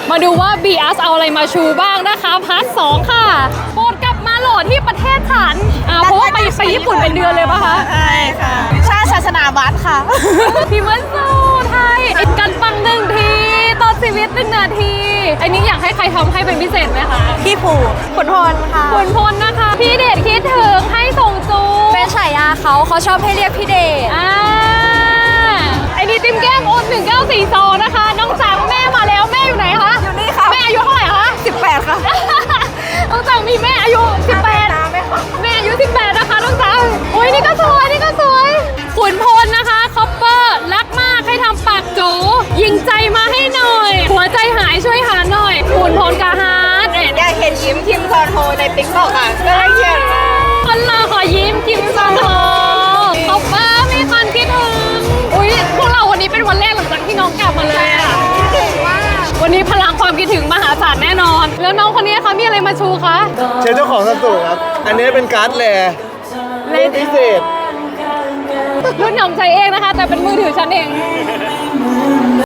มาดูว่า BS เอาอะไรมาชูบ้างนะคะพาร์ท 2 ค่ะโปรดกลับมาโหลดที่ประเทศฉันเพราะว่าไปญี่ปุ่นเป็นเดือนเลยปะคะใช่ค่ะชาติศาสนาวัดค่ะพี่มันสู้ไทยกันปัง1 ทีต่อชีวิต1 นาทีอันนี้อยากให้ใครทำให้เป็นพิเศษไหมคะพี่ผูขุนพลค่ะคุณพลนะคะ พี่เดชคิดถึงให้ส่งจูเป็นฉายาเขาชอบให้เรียกพี่เดชไอ้นี่ติมแก้มโอน1942นะคะ น้องจังแม่มาแล้วแม่อยู่ไหนคะอยู่นี่ค่ะแม่อายุเท่าไหร่คะ 18 ค่ะน้องจังมีแม่อายุ 18 แม่อายุ 18 นะคะน้องจังโอ้ยนี่ก็สวยนี่ก็สวยขุนพลนะคะคอปเปอร์รักมากให้ทำปากจูยิงใจมาให้หน่อย หัวใจหายช่วยหาหน่อยขุนพลกาฮาร์ดอยากเห็นยิ้มทิมซอนโฮในติ๊กต็อกค่ะก็เลยเขียนมาคนรอขอยิ้มกิมซอนโฮคอปเปอร์มีคนคิดถึงอุ้ยพวกเราวันนี้เป็นวันแรกหลังจากที่น้องกลับมาเลยอะวันนี้พลังความคิดถึงมหาศาลแน่นอน แล้วน้องคนนี้คะมีอะไรมาชูคะเชิญเจ้าของซัมซุงครับ อันนี้เป็นการ์ดแลรุ่นพิเศษรุ่นหนำใจเองนะคะ แต่เป็นมือถือฉันเอง